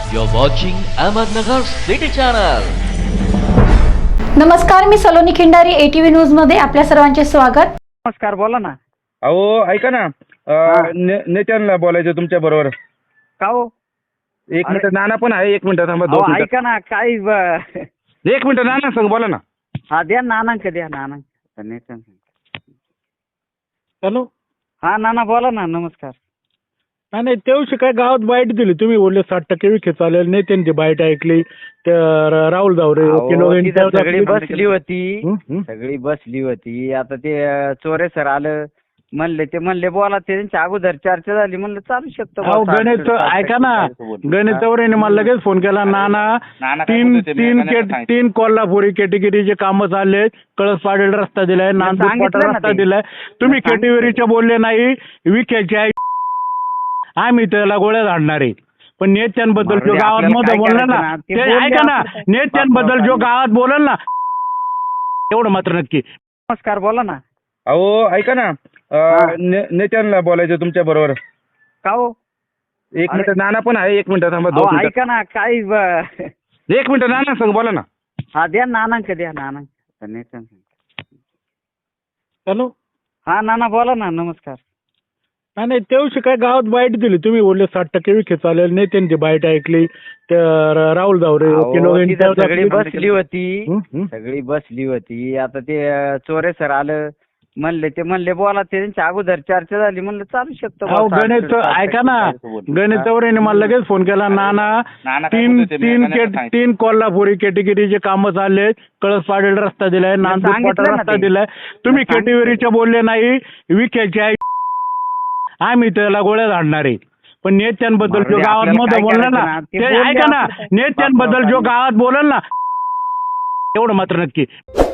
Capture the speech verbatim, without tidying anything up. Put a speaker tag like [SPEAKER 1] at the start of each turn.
[SPEAKER 1] You're watching Ahmednagar City Channel.
[SPEAKER 2] नमस्कार, मी Saloni Khindari, ATV news मध्ये आपल्या सर्वांचे स्वागत.
[SPEAKER 3] नमस्कार, बोला ना.
[SPEAKER 4] अहो ऐका ना,
[SPEAKER 3] हा.
[SPEAKER 4] ने- नेत्यांना बोलायचं तुमच्या बरोबर.
[SPEAKER 3] का हो?
[SPEAKER 4] एक
[SPEAKER 3] अरे.
[SPEAKER 4] मिनिट, नाना पण आहे. एक मिनिट थांबा,
[SPEAKER 3] अहो,
[SPEAKER 4] दोन मिनिट.
[SPEAKER 3] ऐका ना, काय ब-
[SPEAKER 4] एक मिनिट, नाना सांग, बोला ना.
[SPEAKER 3] हा द्या नानांक द्या नानांक.
[SPEAKER 5] हॅलो.
[SPEAKER 3] हा नाना बोला ना. नमस्कार.
[SPEAKER 5] नाही नाही, तेवढी काय गावात बाईट दिली तुम्ही, बोलले साठ टक्के विखे चालेल. नेत्यांची बाईट ऐकली. त्या राहुल जावरे
[SPEAKER 3] अहो,
[SPEAKER 5] वकील वगैरे
[SPEAKER 3] तिथं
[SPEAKER 5] त्यावर
[SPEAKER 3] सगळी
[SPEAKER 5] आपली-
[SPEAKER 3] बसली होती.
[SPEAKER 5] हं, हं.
[SPEAKER 3] सगळी बसली होती. आता ते अं, चोरे सर आलं म्हणले, ते म्हणले बोला. ते त्यांच्या अगोदर चर्चा झाली, म्हणलं चालू शकतो
[SPEAKER 5] अहो
[SPEAKER 3] बुवा,
[SPEAKER 5] गणेश,
[SPEAKER 3] साठ- साठ
[SPEAKER 5] ऐका ना,
[SPEAKER 3] टक्के.
[SPEAKER 5] गणेश चौरेने मला लगेच फोन केला. नाना
[SPEAKER 4] नाना काय
[SPEAKER 5] तीन
[SPEAKER 4] बोलत होते, मी
[SPEAKER 5] तीन
[SPEAKER 4] ऐकायला
[SPEAKER 5] केट-
[SPEAKER 4] सांगितलं.
[SPEAKER 5] तीन कोल्हापुरी कॅटेगरीचे कामं चालले. कळस पाडेल रस्ता दिलाय, नांदूर
[SPEAKER 3] सांगितलं
[SPEAKER 5] पाटा
[SPEAKER 3] ना
[SPEAKER 5] रस्ता
[SPEAKER 3] ते.
[SPEAKER 5] दिलाय. तुम्ही
[SPEAKER 3] सांगितलं.
[SPEAKER 5] कॅटेगरीचे बोलले नाही. विखेचे आहे, आम्ही त्याला गोळ्या झाडणार आहे. पण नेत्यांबद्दल जो
[SPEAKER 3] मारुती,
[SPEAKER 5] गावात
[SPEAKER 3] आपल्याला
[SPEAKER 5] मध्ये
[SPEAKER 3] काय
[SPEAKER 5] बोलला ना,
[SPEAKER 3] करायचं ना? ते
[SPEAKER 5] ते
[SPEAKER 3] बोलले
[SPEAKER 5] ऐका ना,
[SPEAKER 3] आपण.
[SPEAKER 5] नेत्यांबद्दल जो गावात बोलल ना, एवढं मात्र नक्की.
[SPEAKER 3] नमस्कार, बोला ना.
[SPEAKER 4] अहो ऐका ना,
[SPEAKER 3] हा.
[SPEAKER 4] ने- नेत्यांना बोलायचं तुमच्या बरोबर.
[SPEAKER 3] का हो?
[SPEAKER 4] एक
[SPEAKER 3] अरे.
[SPEAKER 4] मिनिट, नाना पण आहे. एक मिनिट थांबा,
[SPEAKER 3] अहो,
[SPEAKER 4] दोन मिनिट.
[SPEAKER 3] ऐका ना, काय ब-
[SPEAKER 4] एक मिनिट, नाना सांग, बोला ना.
[SPEAKER 3] हा द्या नानांक द्या नानांक.
[SPEAKER 5] हॅलो.
[SPEAKER 3] हा नाना बोला ना. नमस्कार.
[SPEAKER 5] नाही नाही, तेवढी काय गावात बाईट दिली तुम्ही, बोलले साठ टक्के विखे चालेल. नेत्यांची बाईट ऐकली. त्या राहुल जावरे वकील
[SPEAKER 3] अहो,
[SPEAKER 5] वगैरे
[SPEAKER 3] तिथं
[SPEAKER 5] त्यावर
[SPEAKER 3] सगळी
[SPEAKER 5] आपली-
[SPEAKER 3] बसली होती.
[SPEAKER 5] हं, हं.
[SPEAKER 3] सगळी बसली होती. आता ते अं, चोरे सर आलं म्हणले, ते म्हणले बोला. ते त्यांच्या अगोदर चर्चा झाली, म्हणलं चालू शकतो बुवा,
[SPEAKER 5] अहो
[SPEAKER 3] साठ-
[SPEAKER 5] गणेश,
[SPEAKER 3] साठ
[SPEAKER 5] ऐका ना,
[SPEAKER 3] टक्के.
[SPEAKER 5] गणेश चौरेने मला लगेच फोन केला. नाना
[SPEAKER 4] नाना काय
[SPEAKER 5] तीन
[SPEAKER 4] बोलत होते, मी
[SPEAKER 5] तीन
[SPEAKER 4] ऐकायला
[SPEAKER 5] केट-
[SPEAKER 4] सांगितलं.
[SPEAKER 5] तीन कोल्हापुरी कॅटेगरीचे कामं चालले. कळस पाडेल रस्ता दिलाय, नांदूर
[SPEAKER 3] सांगितलं
[SPEAKER 5] पाटा
[SPEAKER 3] ना
[SPEAKER 5] रस्ता
[SPEAKER 3] ते.
[SPEAKER 5] दिलाय. तुम्ही
[SPEAKER 3] सांगितलं.
[SPEAKER 5] कॅटेगरीचे बोलले नाही. विखेचे आहे, आम्ही त्याला गोळ्या झाडणार आहे. पण नेत्यांबद्दल जो
[SPEAKER 3] मारुती,
[SPEAKER 5] गावात
[SPEAKER 3] आपल्याला
[SPEAKER 5] मध्ये
[SPEAKER 3] काय
[SPEAKER 5] बोलला
[SPEAKER 3] करायचं
[SPEAKER 5] ना,
[SPEAKER 3] ना? ते
[SPEAKER 5] ते
[SPEAKER 3] बोलले
[SPEAKER 5] ऐका ना,
[SPEAKER 3] आपण.
[SPEAKER 5] नेत्यांबद्दल जो गावात बोलल ना, एवढं मात्र नक्की.